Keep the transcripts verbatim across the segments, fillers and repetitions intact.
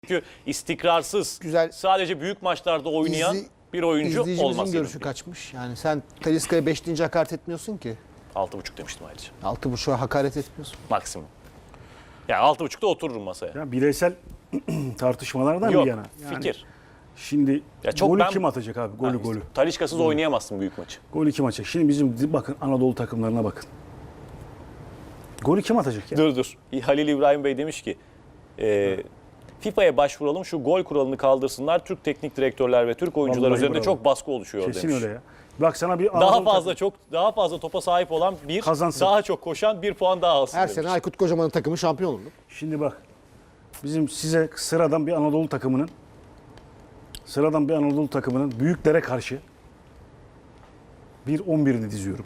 Çünkü istikrarsız, Güzel. sadece büyük maçlarda oynayan İzli- bir oyuncu İzleyicimizin olması görüşü gerekiyor. kaçmış. Yani sen Talisca'ya beş deyince hakaret etmiyorsun ki. Altı buçuk demiştim ayrıca. altı buçuğa hakaret etmiyorsun. Maksimum. Yani altı buçukta otururum masaya. Ya bireysel tartışmalardan Yok, bir yana. Yani fikir. Şimdi Ya çok golü ben- kim atacak abi? Golü Ha, golü. Talisca'sız oynayamazsın büyük maçı. Golü kim atacak? Şimdi bizim bakın Anadolu takımlarına bakın. Golü kim atacak ya? Dur dur. Halil İbrahim Bey demiş ki e, FIFA'ya başvuralım, şu gol kuralını kaldırsınlar. Türk teknik direktörler ve Türk oyuncular Vallahi üzerinde bravo. çok baskı oluşuyor Kesin demiş. öyle ya. Bak sana bir Daha Anadolu fazla çok daha fazla topa sahip olan bir, Kazansın. daha çok koşan bir puan daha alsın Her demiş. sene Aykut Kocaman'ın takımı şampiyon oldu. Şimdi bak. Bizim size sıradan bir Anadolu takımının sıradan bir Anadolu takımının büyüklere karşı bir on birini diziyorum.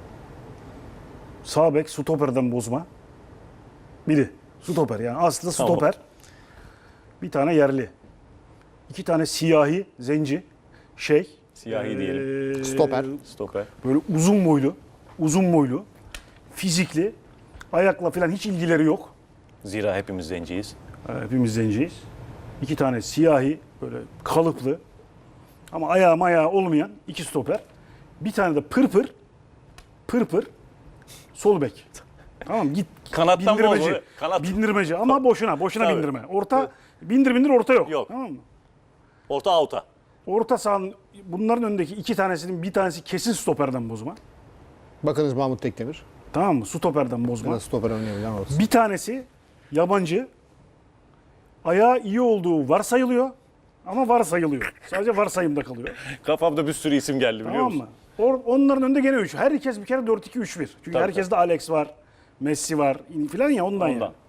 Sağ bek stoperden bozma. Biri. Stoper yani aslı Tamam. stoper. Bir tane yerli. İki tane siyahi, zenci, şey. Siyahi diyelim. Stoper. Stoper. Böyle uzun boylu, uzun boylu, fizikli, ayakla falan hiç ilgileri yok. Zira hepimiz zenciyiz. Hepimiz zenciyiz. İki tane siyahi, böyle kalıplı ama ayağı mayağı olmayan iki stoper. Bir tane de pırpır, pırpır, sol bek. Tamam git. Kanattan bindirmeci. bozma, kanat. Bindirmeci ama boşuna, boşuna Tabii. bindirme. Orta, bindir bindir orta yok. Yok. Tamam mı? Orta avuta. Orta sahanın bunların önündeki iki tanesinin bir tanesi kesin stoperden bozma. Bakınız Mahmut Tekdemir. Tamam mı? Stoperden bozma. Biraz stoper oynayabilen ortası. Bir tanesi yabancı. Ayağı iyi olduğu varsayılıyor. Ama varsayılıyor. Sadece varsayımda kalıyor. Kafamda bir sürü isim geldi biliyor Tamam musun? mı? Or- onların önünde gene üç. Herkes bir kere dört iki üç bir. Çünkü Tabii, herkeste Alex var, Messi var filan ya ondan, Ondan. yani.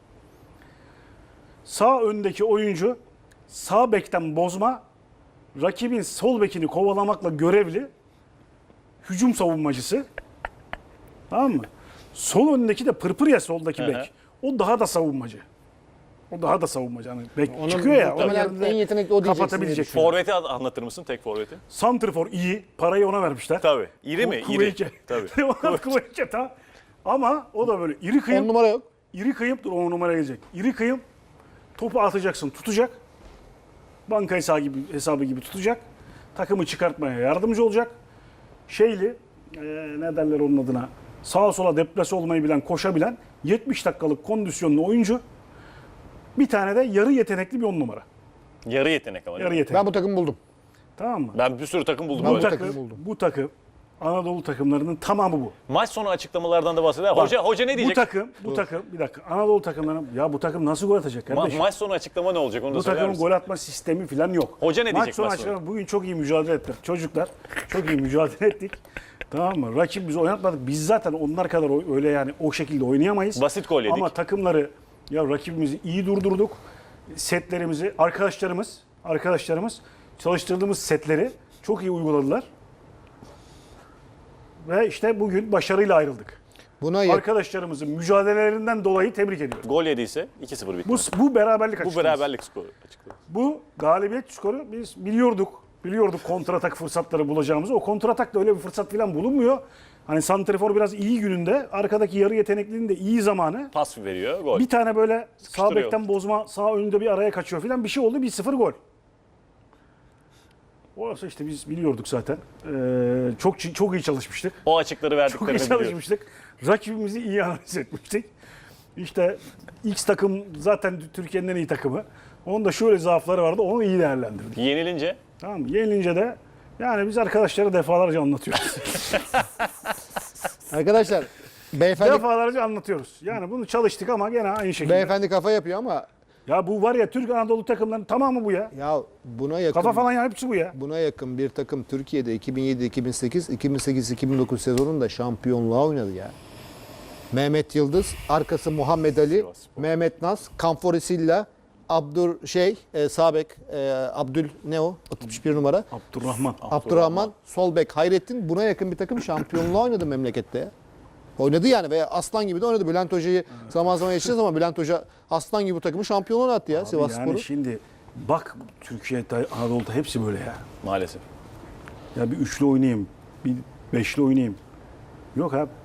Sağ öndeki oyuncu sağ bekten bozma, rakibin sol bekini kovalamakla görevli hücum savunmacısı. Tamam mı? Sol öndeki de pırpır ya soldaki Hı hı. bek. O daha da savunmacı. O daha da savunmacı. Hani bek Onun çıkıyor ya. Onun muhtemelen yerinde en yetenekli o diyeceksin kapatabilecek. diye Forvet'i an- anlatır mısın? Tek forveti. Santrfor iyi. Parayı ona vermişler. Tabii. İri mi? İri. Kuveyke. Tabii. Ona Kuveyke ta. Ama o da böyle iri On kıyım. numara yok. İri kıyım dur on numara gelecek. İri kıyım. Topu atacaksın tutacak. Banka hesabı gibi, hesabı gibi tutacak. Takımı çıkartmaya yardımcı olacak. Şeyli eee, ne derler onun adına? Sağa sola deplase olmayı bilen, koşabilen yetmiş dakikalık kondisyonlu oyuncu. Bir tane de yarı yetenekli bir on numara. Yarı yetenek ama. Yarı değil mi? yetenek. Ben bu takımı buldum. Tamam mı? Ben bir sürü takım buldum. Ben Bu böyle. takım takım, buldum. bu takım Anadolu takımlarının tamamı bu. Maç sonu açıklamalardan da bahseder. Bak, Hoca hoca ne Bu diyecek? takım, bu takım bir dakika Anadolu takımlarının ya bu takım nasıl gol atacak Ma- kardeşim? maç sonu açıklama ne olacak onu da Bu söyler takımın misin? gol atma sistemi falan yok. Hoca ne Maç diyecek sonu maç sonu? açıklama, bugün çok iyi mücadele ettik. Çocuklar çok iyi mücadele ettik. Tamam mı? Rakip bizi oynatmadık. Biz zaten onlar kadar o- öyle yani o şekilde oynayamayız. Basit gol yedik. Ama takımları ya rakibimizi iyi durdurduk. Setlerimizi arkadaşlarımız arkadaşlarımız çalıştırdığımız setleri çok iyi uyguladılar. Ve işte bugün başarıyla ayrıldık. Buna yak- Arkadaşlarımızın mücadelelerinden dolayı tebrik ediyorum. Gol yediyse iki sıfır bitti. Bu, bu beraberlik Bu açıklaması. beraberlik skoru açıkladı. Bu galibiyet skoru biz biliyorduk. Biliyorduk kontratak fırsatları bulacağımızı. O kontratakta öyle bir fırsat falan bulunmuyor. Hani santrifor biraz iyi gününde, arkadaki yarı yeteneklinin de iyi zamanı. Pas veriyor gol. Bir tane böyle sağ Sıkıştırıyor. bekten bozma, sağ önünde bir araya kaçıyor falan bir şey oldu. bir sıfır gol. Orası işte biz biliyorduk zaten. Ee, çok çok iyi çalışmıştık. O açıkları Çok iyi verdiklerini biliyor. çalışmıştık. Rakibimizi iyi analiz etmiştik. İşte X takım zaten Türkiye'nin en iyi takımı. Onun da şöyle zaafları vardı. Onu iyi değerlendirdik. Yenilince Tamam mı? Yenilince de yani biz arkadaşlara defalarca anlatıyoruz. Arkadaşlar beyefendi, defalarca anlatıyoruz. Yani bunu çalıştık ama gene aynı şekilde. beyefendi kafa yapıyor ama Ya bu var ya Türk Anadolu takımlarının tamamı bu ya. ya buna yakın Kafa falan ya hepsi bu ya. buna yakın bir takım Türkiye'de iki bin yedi iki bin sekiz iki bin sekiz iki bin dokuz sezonunda şampiyonluğa oynadı ya. Mehmet Yıldız, arkası Muhammed Ali, Sivasspor. Mehmet Naz, Kamfor Silla, Abdur şey, e, sağ bek, e, Abdül ne o? altmış bir numara. Abdurrahman. Abdurrahman, sol bek Hayrettin. Buna yakın bir takım şampiyonluğa oynadı memlekette ya. Oynadı yani ve aslan gibi de oynadı. Bülent Hoca'yı zaman zaman yaşayacağız ama Bülent Hoca aslan gibi bu takımı şampiyonluğa attı ya Sivasspor'u. Yani şimdi bak Türkiye'de Anadolu'da hepsi böyle ya. maalesef. Ya bir üçlü oynayayım, bir beşli oynayayım. Yok abi.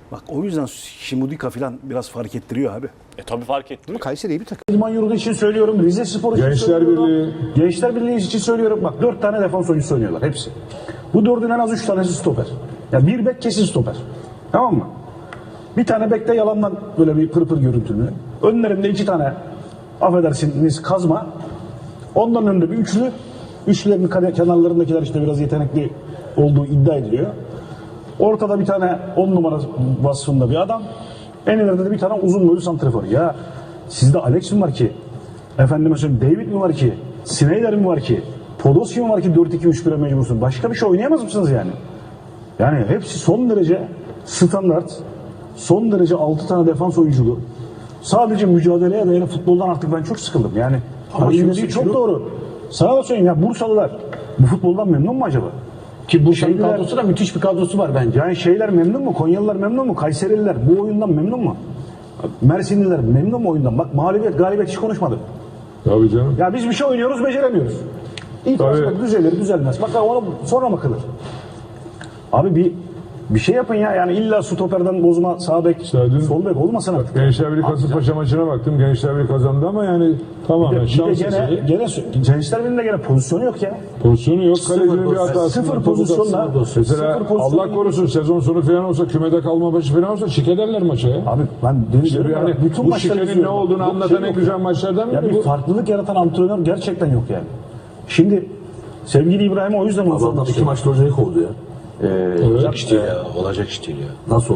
Bak o yüzden Şimudika falan biraz fark ettiriyor abi. E tabii fark etti. Ama Kayseri iyi bir takım. İdman Yurdu için söylüyorum, Rize Spor için Gençler söylüyorum. Birliği. Gençler Birliği için söylüyorum. Bak dört tane defans oyuncusu oynuyorlar hepsi. Bu dördün en az üç tanesi stoper. Ya bir bek kesin stoper. Tamam mı? Bir tane bekte yalandan böyle bir pırpır görüntülü. Önlerinde iki tane affedersiniz kazma. Ondan önünde bir üçlü. Üçlülerin kare- kenarlarındakiler işte biraz yetenekli olduğu iddia ediliyor. Ortada bir tane on numara vasfında bir adam. En ileride de bir tane uzun boylu santrafor. Ya sizde Alex mi var ki? Efendime söyleyeyim David mi var ki? Snyder mi var ki? Podolski mi var ki dört iki üç bire mecbursun? Başka bir şey oynayamaz mısınız yani? Yani hepsi son derece standart, son derece altı tane defans oyunculu. Sadece mücadeleye dayalı futboldan artık ben çok sıkıldım. Yani Ama dediği şunu- çok şunu- doğru. Sana da söyleyeyim ya Bursalılar bu futboldan memnun mu acaba? Ki Bursa'nın Şeyler- kadrosu da müthiş bir kadrosu var bence. Yani şeyler memnun mu? Konyalılar memnun mu? Kayserililer bu oyundan memnun mu? Mersinliler memnun mu oyundan? Bak mağlubiyet, galibiyet hiç konuşmadık. Tabii canım. Ya biz bir şey oynuyoruz, beceremiyoruz. İtiraz Tabii. bak düzelir, düzelmez. Bak ona sonra bakılır. Abi bir bir şey yapın ya. Yani illa stoperden bozma, sağ bek, İşte dün- sol bek olmasın artık. Gençler Birliği Kasımpaşa maçına baktım. Gençler Birliği kazandı ama yani Bir tamamen de, bir de şans gene, eseri. gene Gençler Birliği'nde gene pozisyonu yok ya. Pozisyonu yok. Kalecinin bir pozisyon. hatası. Sıfır pozisyonla. Mesela sıfır pozisyonla- Allah korusun sezon sonu falan olsa kümede kalma maçı falan olsa şik ederler maça ya. Abi ben deniz İşte yani bu şikenin ne olduğunu anlatan en güzel maçlardan Ya biri bir bu. farklılık yaratan antrenör gerçekten yok yani. Şimdi sevgili İbrahim o yüzden onu Adamlar sormak iki istiyorum. maçta hocayı kovdu ya. Ee, Evet. İş değil ya. Olacak iş değil ya. Nasıl